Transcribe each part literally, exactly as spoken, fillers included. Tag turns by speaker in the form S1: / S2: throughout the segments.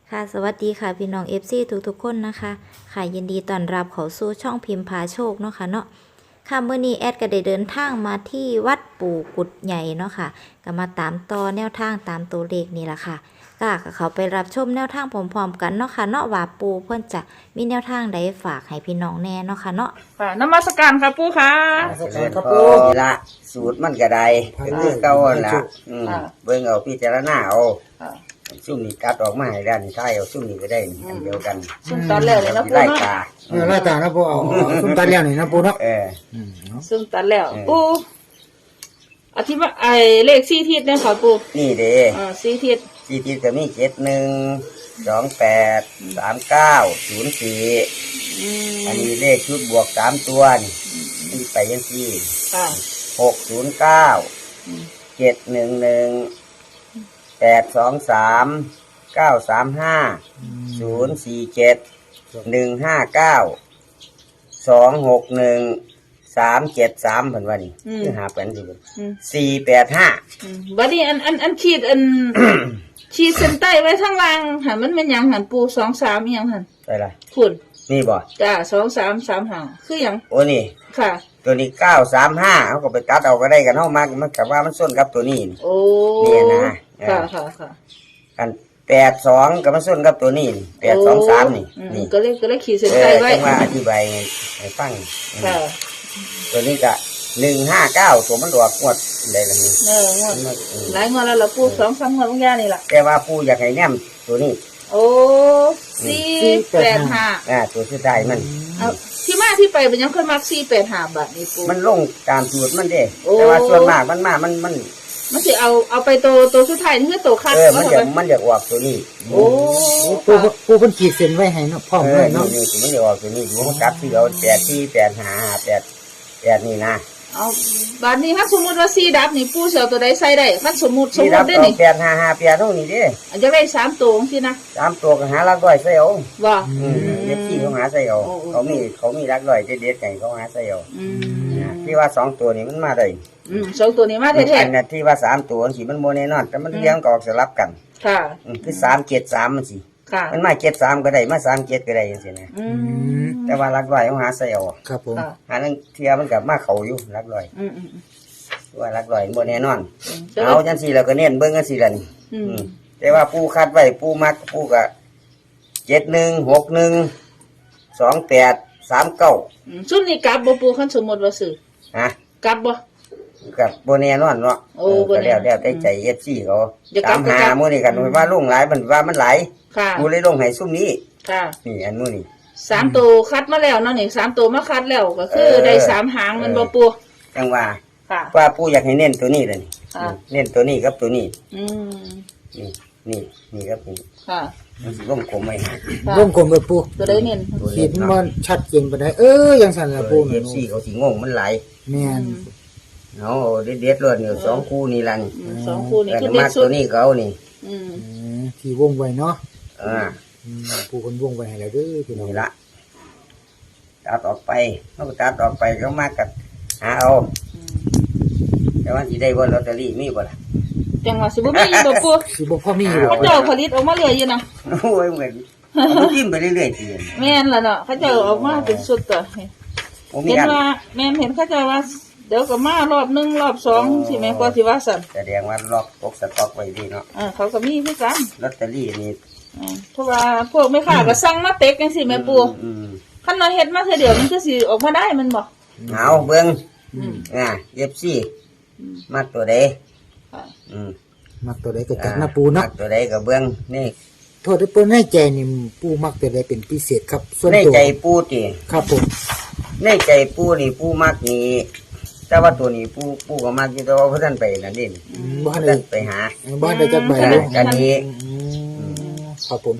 S1: ค่ะสวัสดีค่ะพี่น้อง เอฟ ซี ทุกๆคนนะคะค่ะยินดีต้อนรับเข้าสู่ช่องพิมพ์พาโชคเนาะค่ะเนาะค่ะเมื่อนี้แอดก็ได้เดินทางมาที่วัดปู่กุดใหญ่เนาะค่ะก็มาตามต่อแนวทางตามตัวเลขนี่แหละค่ะก็เขาไปรับชมแนวทางพร้อมๆกันเนาะค่ะเนาะว่าปู่เพิ่นจะมีแนวทางใดฝากให้พี่น้องแน่เนาะค่ะเนาะ
S2: ค่ะนมัสการครับปู่ค่ะ
S3: เจริญพรนี่ละสูตรมันก็ได้ก็คือเก่าหั่นละอืมเบิ่งเอาพิจารณาเอาซุ่มนี่กัดออกมาให้ด้านท้ายเอาซุ่มนี่ก็ได้อันเดียวกัน
S2: ซุ่มตัดแล้วเลยนะปู่
S3: ไล่
S2: เนาะ
S3: ตา
S4: เออไล่ตานะปูเอาเอาซุ่มตาเลี้ยงนี่นะปูเนาะ
S3: เออ
S4: อืมเนาะ
S2: ซุ่มตัดแล้ว
S3: เออ
S2: ปู่อธิบายไอ้เลขสี่ทิศเนี่ยค่ะปู่
S3: นี่เด้
S2: อ่าสี่ทิศ
S3: ที่ที่ก็มีเจ็ดหนึ่งสองแปดสามเก้าศูนย์สี่
S2: อืม
S3: อันนี้เลขชุดบวกสามตัวนี่นี่ไปยังที่
S2: ค่ะ
S3: หกศูนย์เก้า
S2: อืม
S3: เจ็ดหนึ่งหนึ่งแปดสองสามเก้าสามห้าศูนย์สี่เจ็ดหนึ่งห้าเก้าสองหกหนึ่งสามเจ็ดสามเพิ่นว่านี่คือหาเป็นสิ
S2: อืม
S3: สี่แปดห้า
S2: อืมบัดนี้อันอันอันขีดอัน ขีดเส้นใต้ไว้ข้างล่างหันมันเป็นหยังหันปู่สองสามอิหยังหัน
S3: ใช่ละ
S2: คุณ
S3: นี่บ่
S2: จ้าสองสามสามห้าคือหยัง
S3: โอ้นี่
S2: ค่ะ
S3: ตัวนี้เก้าสามห้าเขาก็ไปตัดเอาก็ได้กันเฮามามันกับว่ามันส้นกับตัวนี้นี่
S2: โอ้
S3: เนี่ยนะเออ
S2: ค่ะค่ะค่ะ
S3: กันแปดสองกับมันส้นกับตัวนี้แปดสองสามนี่
S2: อืม
S3: นี่
S2: ก็เลยก็เลยขีดเส้น
S3: เอ
S2: ใต้
S3: อ
S2: ไว้
S3: จังว่าอธิบายให้ฟัง
S2: ค่ะ
S3: ตัวนี้ก็หนึ่งห้าเก้าตัวมันดอกงวดได้ละนี่
S2: เอองวดหลายงวดแล้วล่ะปู่สองสามงวดบางอย่างนี่ล่ะ
S3: แต่ว่าผู้อยากให้แนมตัวนี้
S2: โอ้สี่แปดห้า
S3: อ่าตัวสุดท้ายมัน
S2: เอาที่มาที่ไปเป็นยังเคยมักสี่แปดห้าบาทนี่ปู่
S3: มันลงตามสูตรมันเด้
S2: โอ้
S3: แต่ว่าส่วนมากมันมามันมัน
S2: มันสิเอาเอาไปตัวตัวสุดท้ายนี่คือตัวคัด
S3: เออมัน
S2: ว่า
S3: จะ
S2: ทำไม
S3: มันจะออกตัวนี้
S2: โอ้
S4: ปูปูเพิ่นขีดเส้นไว้ให้เนาะพร้อม
S3: เอ
S4: เล
S3: อย นี่
S4: เนาะ
S3: นี่ตัวมันจะออกตัวนี้ดูมันกลับที่เราแปดที่แปดหาหาแปดแปดนี่นะ
S2: เอาบาทนี้ถ้าสมมติว่าสี่ดับนี่ปู่เสียวตัวใดใส่ได้ถ้าสมมติสม
S3: ที่
S2: ม
S3: รับ
S2: ติได้
S3: เอา
S2: นี่
S3: แปดหาหาแปดเท่านี้เด้
S2: อาจจะได้สามตัวสินะ
S3: สามตัวก็หาลักร้อยใส่เอา
S2: ว่า
S3: อืมเด็กที่เขาหาใส่เอาเขามีเขามีลักร้อยเด็ดๆไงเขาหาใส่เอา
S2: อืม
S3: นะที่ว่าสองตัวนี้มันมาได้
S2: อืมสองตัวนี้มาแท้
S3: อันนั้นที่ว่าสามตัวสิมันโมแน่นอนแต่มันเลี้ยงก็ออกสลับกัน
S2: ๆค่ะ
S3: อืมคือสามเจ็ดสามมันสิ
S2: ค่ะ
S3: มันมาเจ็ดสามก็ได้มาสามเจ็ดก็ได้ยังสินะ
S2: อืม
S3: แต่ว่าลักร้อยเขาหาใส่เอา
S4: ครับผม
S2: ค่ะ
S3: หานั่นเทียมันกับมาเขาอยู่ลักร้อย
S2: อืมอืมอืม
S3: ว่าลักร้อยโมแน่นอน
S2: อืม
S3: เอาจังสี่เราก็เน้นเบิ้งกันสี่ละนี่
S2: อืม
S3: อืมแต่ว่าปูคัดไว้ปูมักปูกะเจ็ดหนึ่งหกหนึ่งสองแปดสามเก้า
S2: อืมซุ่มนี่กลับบ่ปู่คันสมมติว่าซื้อ
S3: ฮะ
S2: กลับบ่
S3: กับโบแน่นอนเนาะ
S2: โอ้
S3: เออ
S2: บ่
S3: ก็
S2: แน่
S3: แล้วแล้วแต่ใจเอฟซีเขา
S2: อย่ากลั
S3: ตา
S2: บ
S3: ม
S2: อย่า
S3: หาก
S2: ลับ
S3: โมนี่กันว่าลงหลายมันว่ามันหลาย
S2: ค่ะ
S3: กูเลยลงให้ซุ่มนี้
S2: ค่ะ
S3: นี่อันนู้นนี่
S2: สามตัวคัดมาแล้วเนาะนี่สามตัวมาคัดแล้วก็คือ
S3: เออ
S2: ได้สามหางมันบ่ปู
S3: จังว่า
S2: ค่ะ
S3: ว่าปูอยากให้เน้นตัวนี้เลยนี่
S2: ค่ะ
S3: เน้นตัวนี้กับตัวนี้
S2: อืม
S3: นี่นี่นี่ครับนี่
S2: ค่ะ
S3: มันสิวงกลมไว้ให้
S2: ค่ะ
S4: วงกลมเลยปู
S2: ตัวได้เน้น
S4: ขีดมันชัดเจนปานใดเออยังสั่นละปู
S3: เอฟซีเขาสิงงมันหลาย
S4: แม่น
S3: เอาเด็ดเด็ดๆเลยเนี่ยสองคู่นี่ละนี่
S2: อืมสองคู่นี่
S3: แต่
S2: คือ
S3: มา
S2: เด็ดสุ
S3: ตั
S2: ด
S3: วนี้เขานี่
S2: อืม
S4: อืมที่วงไว้เนาะ
S3: อ่า
S4: อืมปูเพิ่นวงไว้ให้แล้วเด้อพี่น้อง
S3: นี่ละตัดออกไปเขาก็ตัดออกไปเขามากับหาเอาแต่ว่าที่ได้บนลอตเตอรี่มีบ่ล่ะ
S2: จังหวะสิบ่มีอยู่บ่ปู
S4: สิบ่พอมีอยู่บ่
S2: เขาเจ้าผลิตออกมาเหลืออยู่นะ
S3: โอ้ยเหมือนเอาจิ้มไปเรื่อยๆที
S2: แม่นล่ะเนาะเขาเจ้าออกมาเป็นสุดตัว
S3: ผมมี
S2: เห็น
S3: อัน
S2: ว่าแม่นเห็นเขาเจ้าว่า เดี๋ยวก็มารอบหนึ่งรอบสองสิแม่กว่าสิว่าสั่น
S3: แสดงว่าล็อกตกสต็อกไว้ดีเนาะ
S2: อ่าเขาก็มีคือกัน
S3: ลอตเตอรี่นี่
S2: อ่าเพราะว่าพวกไม่ค้าก็สั่งมาเต็กจังซี่แม่ปู
S3: อืม
S2: คันเราเฮ็ดมาเทื่อเดียวมันก็สิออกมาได้มันบ่
S3: เอาเบิ้ง
S2: อืม
S3: อ่าเย็บซี่
S2: อืม
S3: มาตัวใด
S2: ค่ะ
S3: อืม
S4: มักตัวใดก็จัดนะปูเนาะ
S3: มาตัวใดกับเบิ้งนี่
S4: โทษที่เพิ่นให้ใจนี่ปูมักตัวใดเป็นพิเศษครับ ส่วน
S3: ใน
S4: ตัว
S3: ใจปูติ
S4: ครับผม
S3: ในใจปูนี่ปูมักนี่แต่ว่าตัวนี้ปูปูก็มักอยู่แต่ว่าเพื่อนไปนั่นนี่
S4: อืมบ่ทัน
S3: เพื่
S4: ได้
S3: อนไปหา
S4: บ่ทันได้จักใบ
S3: อ่า
S4: เลย
S3: กันนี้
S4: อืมครับผม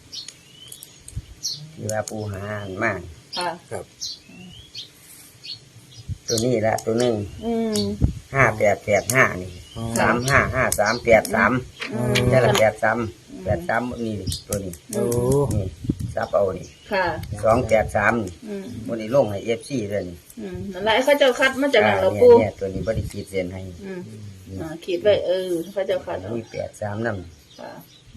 S3: ที่ว่าปูหาอันมาก
S2: ค่ะ
S4: ครับ
S3: ตัวนี้ละตัวหนึ่ง
S2: อืม
S3: ห้าแปดแปดห้านี่
S4: อ๋อ
S3: สามห้าห้าสามแปดสาม
S2: อืม
S3: นี่ละแปดสามแปดสามนี่ตัวนี้
S4: โอ้
S3: นี่ซับเอานี่
S2: ค่ะ
S3: สองแปดสาม
S2: อืม
S3: มันนี่ลงให้เอฟซีเลยนี่
S2: อืมนั่นแหละเขาเจ้าคัดมาจากนั้น
S3: อ่า
S2: เรา
S3: เนี่ย
S2: ปู
S3: เนี่ยตัวนี้บริขีดเส้นให้
S2: อืมอ่าขีดไว้เออเขาเจ้าคัดเอา
S3: มีแปดสามน้
S2: ค่ะ
S3: ำ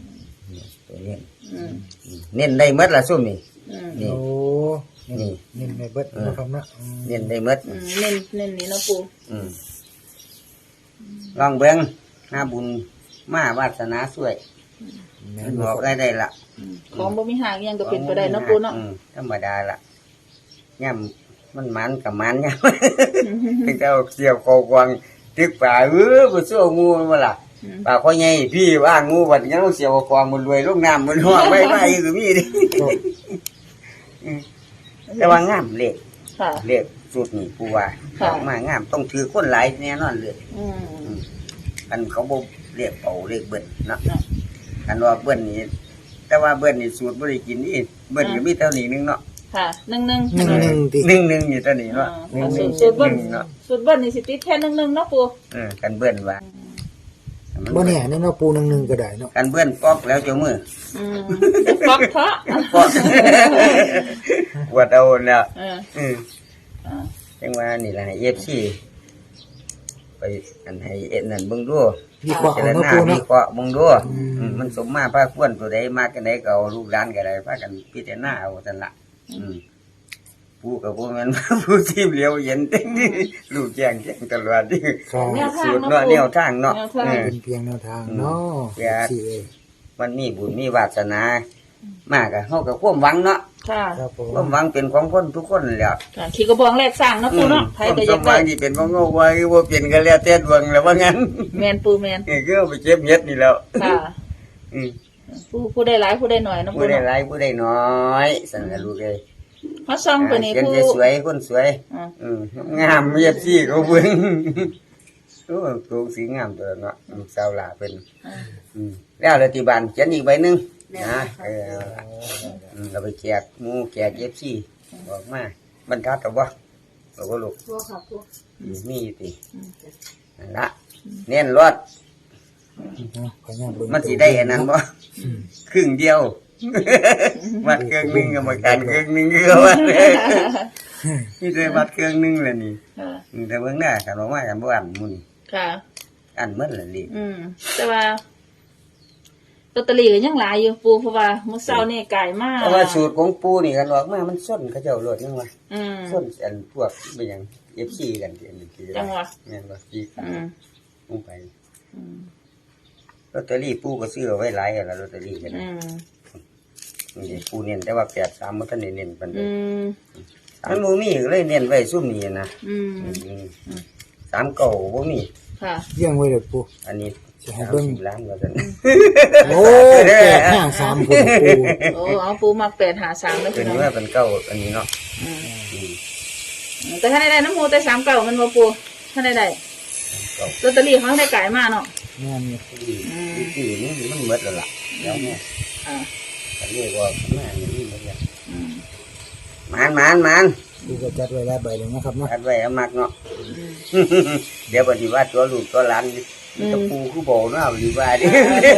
S3: นี่ตัวเน้น
S2: อืม
S3: อืมเน้นได้หมดละซุ่มนี่
S2: อืม
S3: นี่
S4: โอ้
S3: นี่
S4: นี่ในเบิดนะครับนะอืม
S3: เน้นได้หมด
S2: อืมเน้นเน้นนี่เนาะปู
S3: อืมลองเบิ่งหน้าบุญมาวาสนาสวย
S4: แม่
S3: มัน
S4: น
S3: บอก
S4: บ่
S3: ได้ได้ละ
S2: อืมของบ่มีหางอิหยังก็เป็นไปได้เนาะปูเนาะ
S3: อืมธรรมดาละย่ำมันมันกับมันย่ำถึงจะเอาเกี่ยวกอกวางตึกป่าเออบ่สู้งูมาล่ะ
S2: อืม
S3: ป่าพ่อใหญ่พี่ว่างูบัดยังเอาเสียวกองมันรวยลงน้ำมันหัวไม่ไม่ก็มีดิอืมแต่ว่างามเลข
S2: ค่ะ
S3: เลขสุดนี่กูว่า
S2: ค่ะ
S3: ออกมางามต้องถือคนหลายแน่นอนเลย
S2: อืม
S3: อันเขาบ่เรียกเป่าเรียกเบิ้ลเนาะ
S2: เนาะ
S3: อันว่าเบิ้ลนี่แต่ว่าเบิ้ลนี่สูตรบ่ได้กินนี่เบิ้ลก็มีเท่านี้นึงเนาะ
S2: ค่ะหนึ่งหนึ่ง
S4: หนึ่งหนึ่งติ
S3: หนึ่งหนึ่งนี่เท่านี้เนาะห
S2: อ่า
S3: นึ่งห
S2: สู
S3: นึ่ง
S2: ตรสูตรเบิ้ล
S3: หนึ่งเนาะ
S2: สูตรเบิ้ลนี่สิติดแค่หนึ่งหนึ่งเนาะปู
S3: เออกันเบิ้ลว่ามั
S4: บ่เนี่ยนี่เนาะปูหนึ่งหนึ่งก็ได้เนาะ
S3: กันเบิ้ลป๊อกแล้วเจ้ามือ
S2: อืมจะฟักเถาะ
S3: ป๊อกปวดเอาแล้ว
S2: เออ
S3: อืม
S2: อ่า
S3: จังว่านี่ล่ะให้ เอฟ ซี ไปอันให้เอ็ดนั่นเบิ่งดู
S4: วิเคราะห์
S3: เจ
S4: เอา
S3: ร
S4: เนาะ
S3: นา
S4: ปู
S3: วิ
S4: เนาะ
S3: เคราะห์เบิ่งดู
S4: อืม
S3: อืมมันสมมาพระควรตัวใดมากกันใดก็เอาลูกหลานก็ได้พากันพิจารณาเอาซั่นล่ะอืมผู้ก็บ่แม่น ผู้ที่เหลียวเห็น ลูกแจ้งแจ้งตลอดนี่
S4: ครับ
S2: แนวทาง
S3: สูตร
S2: เนาะ
S3: เนาะ
S2: ปู
S3: แนวทางเนาะ
S2: แนวทาง
S3: เออ
S4: เป็นเพียงแนวทางเนาะ
S3: เพื่อ
S4: สิเอ้ย
S3: มันมีบุญมีวาสนา มากก็เฮาก็ความหวังเนาะ
S2: ค่ะ
S4: ครับผม
S3: ความหวังเป็นของคนทุกคนแหละ
S2: ค่ะขี่กระบองแรกสร้างเนาะปูเนาะไผ
S3: ความ
S2: ก็อ
S3: ส
S2: ยาก
S3: มหวั
S2: ได้
S3: งที่เป็นของเฮาไว้บ่เป็นก็แล้วแต่ดวงแล้วว่างั้น
S2: แมนปูแมน
S3: นี่คือเอาไปเก็บเฮ็ดนี่แล้ว
S2: ค่ะ
S3: อืม
S2: ผู้ผู้ได้หลายผู้ได้หน่อยเนาะ
S3: ผู้
S2: ปู
S3: ได้
S2: เนาะ
S3: หลายผู้ได้น้อยสั่นล่ะลูกเอ้ย
S2: เขาซ่องตัวนี้
S3: เขียน
S2: ผู้
S3: สวยๆคนสวย
S2: อ่า
S3: อืมงามเมียซี่เขาเบิ่งโอ้ตัวสีงามตัวเนาะลูกสาวหลาเป็น
S2: อ่า
S3: อืมแล้วรัฐบาลเขียนอีกใบหนึงนะเออเอาล่ะอืมเราไปแจกหมูแจกเอฟซีบอกมาบรรทัดเอาบ่บอกว่าลูก
S2: ผู้ค่ะผู้
S3: อืมมีอยู่ติ
S2: อืม
S3: นั่นละเน้นรถ
S4: เนาะขออนุญาตเบิ่ง
S3: มันสิได้อันนั้นบ่ครึ่งเดียว มัดเครื่องหนึงก็มาการเครื่องหนึงก็ว่านี่ได้มัดเครื่องหนึงแล้วนี่
S2: ค่ะ
S3: อืมแต่เบิ่งหน้ากันบอกว่ากันบ่อันหมื้อนี้
S2: ค่ะ
S3: อันหมดแล้วนี่
S2: อืมแต่ว่าลอตเตอรี่ก็ยังหลายอยู่ปูเพราะว่ามื้อเช้านี่ไก่มาก
S3: เพราะว่าสูตรของปู่นี่กันออกมามันส้นเขาเจ้าโลดยังว่า
S2: อืม
S3: ส้นอันพวกเป็นหยัง เอฟ ซี กันที่อันนี้คือ
S2: จังหวะ
S3: แม่นบ่ที่ขา
S2: อืม
S3: ลงไป
S2: อืม
S3: ลอตเตอรี่ปู่ก็ซื้อเอาไว้หลายแล้วลอตเตอรี่กัน
S2: อืม
S3: นี่ปู่เน้นแต่ว่าแปดสามบ่ทันได้เน้นปานใด
S2: อืม
S3: มันบ่มีก็เลยเน้นไว้ซุ่มนี้นะ
S2: อืม
S3: อืมสามเก้าบ่มี
S2: ค่ะ
S4: เลี้ยงไว้เด้อปู
S3: อันนี้
S4: สิให้เบิ่ง
S3: สามสิบล้านว่าซั่น
S4: โอ้แปดห้าสามคนปู
S2: โอ้เอาปูมักแปดหาสามแล้ว
S3: เป็
S2: พี่
S3: น
S2: น้อง
S3: ว่าเป็นเก้าอันนี้เนาะ
S2: อืม
S3: อืม
S2: แต่ถ้าได้ได้น้ำหมูแต่สามเก่ามันบ่ปูถ้าได้ได้
S3: เก้า
S2: ลอตเตอรี่เขาได้ไก่มากเนาะ
S4: แม่นอยู่
S3: ที่ที่นี่มันหมดแล้วล่ะแล้วเนี่ย
S2: อ่า
S3: อันนี้ว่าข้างหน้านี่มันหมดแล้ว
S2: อืม
S3: มานมานมาน
S4: ปูก็จัดไว้หลายใบเลยนะครับเนาะ
S3: อัดไว้เอามักเนาะ
S2: อืม
S3: เดี๋ยวปฏิวัติตัวลูกตัวหลานตะปูคือโบเนาะหรือว่าดิ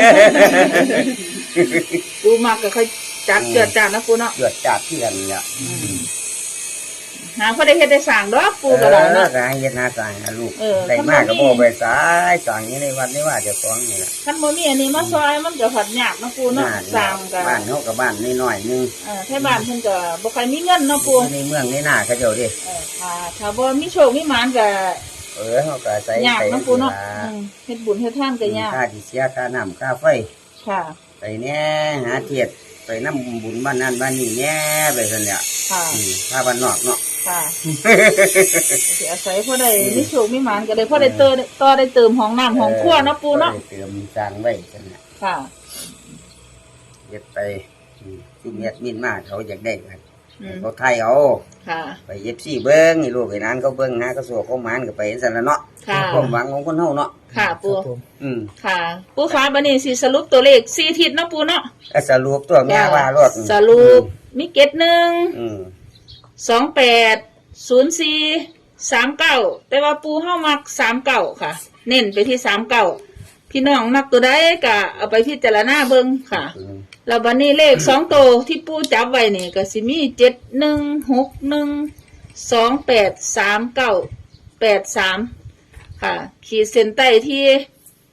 S2: ปูมักก็ค่อยจัดเกิดจานนะปูเนาะ
S3: เกิดจากที่กันเนี่ย
S2: หาพอได้เฮ็ดได้สั่งดอกปูก็ได้เนาะ
S3: ก็ให้เฮ็ดหน้าต่างนะลูก
S2: เออ
S3: ได้มากก็บ่ไปสายสั่งนี้ในวัดนี่ว่าเจ้าของนี่ล่ะ
S2: คันบ่มีอันนี้มาซอยมันก็ผัดยากเนาะปูเนาะสั่งก็
S3: บ้านเฮากับบ้านน้อยๆนึง
S2: เออแท้บ้านเพิ่นก็บ่ค่อยมีเงินเนาะปู
S3: ในเมืองในหน้าเขาเจ้าดิ
S2: เออค่ะถ้าบ่มีโชคมีหมานก็
S3: เออเฮาก็ใส่
S2: ยาก
S3: ไป
S2: เนาะปูเนาะอืมเฮ็ดบุญเฮ็ดทานก็ยาก
S3: ค่าที่เสียค่าน้ำค่าไฟ
S2: ค่ะ
S3: ไปแน่หาเทียดไปนำบุญบ้านนั้นบ้านนี้แน่ไปซั่นแหละ
S2: ค่ะ
S3: อืมถ้าบ้านนอกเนาะ
S2: ค่ะสิอาศัยพอได้มีโชคมีหมานก็ได้พอได้เติมต่อได้เติมห้องน้ำห้องครัวเนาะปูเนาะ
S3: ออเติมสร้างไว้ซั่นน่ะ
S2: ค่ะ
S3: เฮ็ดไปอืมซุมเฮ็ดมินมาเขาอยากได้กัน
S2: อืม
S3: เขาไทยเอา
S2: ค่ะ
S3: ไปเอฟซีเบิ้งนี่ลูกไอ้นั้นเขาเบิ้งหาเขาสัวเขาหมานก็ไปสั่นละเนาะ
S2: ค่ะ
S3: ความหวังของคนเฮาเนาะ
S2: ค่ะ
S4: ค
S2: ปู
S4: รับผม
S3: อืม
S2: ค่ะ ปูคะบัดนี้สิสรุปตัวเลขสี่ทิศเนาะปูเนาะ
S3: ก็สรุปตัวแม่ว่ารถ
S2: สรุปมีเกตหนึ่ง
S3: อืม
S2: สองแปดศูนย์สี่สามเก้าแต่ว่าปูเฮ้ามักสามเก้าค่ะ เน้นไปที่สามเก้าพี่น้องมักตัวใดก็เอาไปพิจารณาเบิ่งค่ะ
S3: อืม
S2: แล้วบัดนี้เลขสองตัวที่ปูจับไว้นี่ก็สิมีเจ็ดหนึ่งหกหนึ่งสองแปดสามเก้าแปดสามค่ะ ขีดเส้นใต้ที่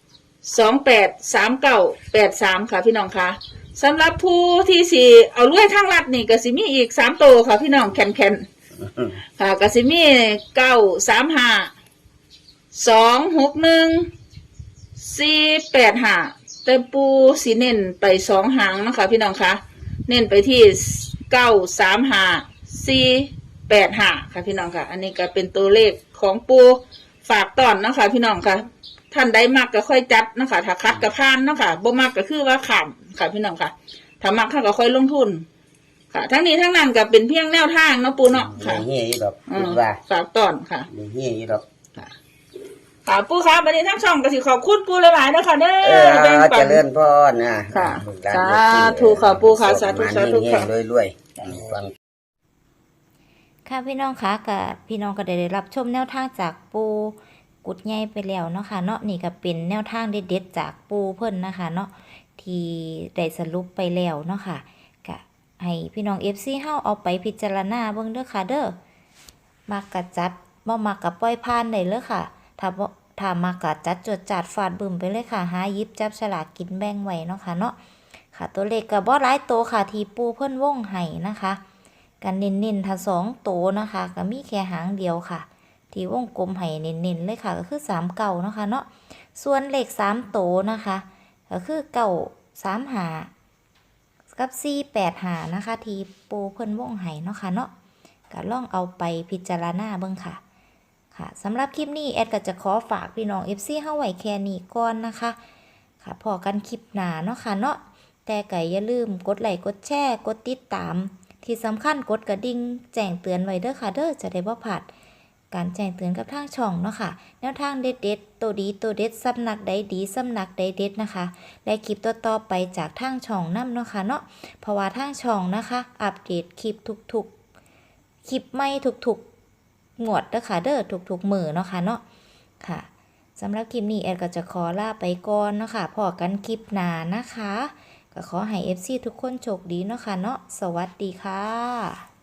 S2: สองแปดสามเก้าแปดสามค่ะพี่น้องค่ะสำหรับผู้ที่สิเอารวยทางลัดนี่ก็สิมีอีกสามโตวค่ะพี่น้องแคนแคนๆค่ะก็สิมีเก้าสามห้าสองหกหนึ่งสี่แปดห้าแต่ปูสีเน้นไปสองหางนะคะพี่น้องคะเน้นไปที่เก้าสามห้าสี่แปดห้าค่ะพี่น้องค่ะอันนี้ก็เป็นตัวเลขของปูฝากตอนนะคะพี่น้องค่ะท่านใดมักก็ค่อยจัดนะคะถ้าคัดกับพานนะคะบ่มักก็คือว่าขำค่ะพี่น้องค่ะถ้ามักข้าก็ค่อยลงทุนค่ะทั้งนี้ทั้งนั้นก็เป็นเพียงแนวทางเนาะปูเนาะค่ะ
S3: เฮียอยู่ดอก
S2: อื
S3: คิ
S2: ม
S3: ดว่า
S2: ฝากตอนค่ะ
S3: เฮียอยู่ดอก
S2: ค่ะปูครับวันนี้ทั้งช่องก็สิขอบคุณปูหลายๆนะคะเด้
S3: เอ
S2: อ
S3: อ
S2: แบ่งปั
S3: เจ
S2: น
S3: ริญพรนะ
S2: ค่ะ
S3: ลูกหลน
S2: สาธุค่ะปู่ค่ะสาธุสาธุค่ะ
S3: รวยรวยๆฟัง
S1: ค่ะพี่น้องคะกับพี่น้องก็ได้รับชมแนวทางจากปูกุดใหญ่ไปแล้วเนาะค่ะเนาะนี่ก็เป็นแนวทางเด็ดๆจากปูเพิ่นนะคะเนาะที่ได้สรุปไปแล้วเนาะค่ะก็ให้พี่น้อง เอฟ ซี เฮาเอาไปพิจารณาเบิ่งเด้อค่ะเด้อมักกะจัดบ่มักกะปล่อยผ่านได้เลยค่ะถ้าบ่ถ้ามักกะจัดจดจัดฟาดบึ้มไปเลยค่ะหาหยิบจับฉลากกินแบ่งไว้เนาะค่ะเนาะค่ะตัวเลขก็บ่หลายโตค่ะที่ปูเพิ่นวงให้นะคะกันเน้นๆถ้าสองโตนะคะก็มีแค่หางเดียวค่ะที่วงกลมให้เน้นๆเลยค่ะก็คือสามเก้าเนาะค่ะเนาะส่วนเลขสามโตนะคะก็คือเก้าสามห้ากับสี่แปดห้านะคะที่ปูเพิ่นวงให้เนาะค่ะเนาะก็ลองเอาไปพิจารณาเบิ่งค่ะค่ะสำหรับคลิปนี้แอดก็จะขอฝากพี่น้อง เอฟ ซี เฮาไว้แค่นี้ก่อนนะคะค่ะพอกันคลิปหน้าเนาะค่ะเนาะแต่ก็อย่าลืมกดไลค์กดแชร์กดติดตามที่สำคัญกดกระดิ่งแจ้งเตือนไว้เด้อค่ะเด้อจะได้บ่พลาดการแจ้งเตือนกับทางช่องเนาะค่ะแนวทางเด็ดๆตัวดีตัวเด็ดสำนักใดดีสำนักใดเด็ดนะคะและคลิปต่อๆไปจากทางช่องนำเนาะค่ะเนาะเพราะว่าทางช่องนะคะอัปเดตคลิปทุกๆคลิปใหม่ทุกๆงวดเด้อค่ะเด้อทุกๆมื้อเนาะค่ะเนาะค่ะสำหรับคลิปนี้แอดก็จะขอลาไปก่อนเนาะค่ะพอกันคลิปหน้านะคะก็ขอให้ เอฟ ซี ทุกคนโชคดีเนาะค่ะเนาะสวัสดีค่ะ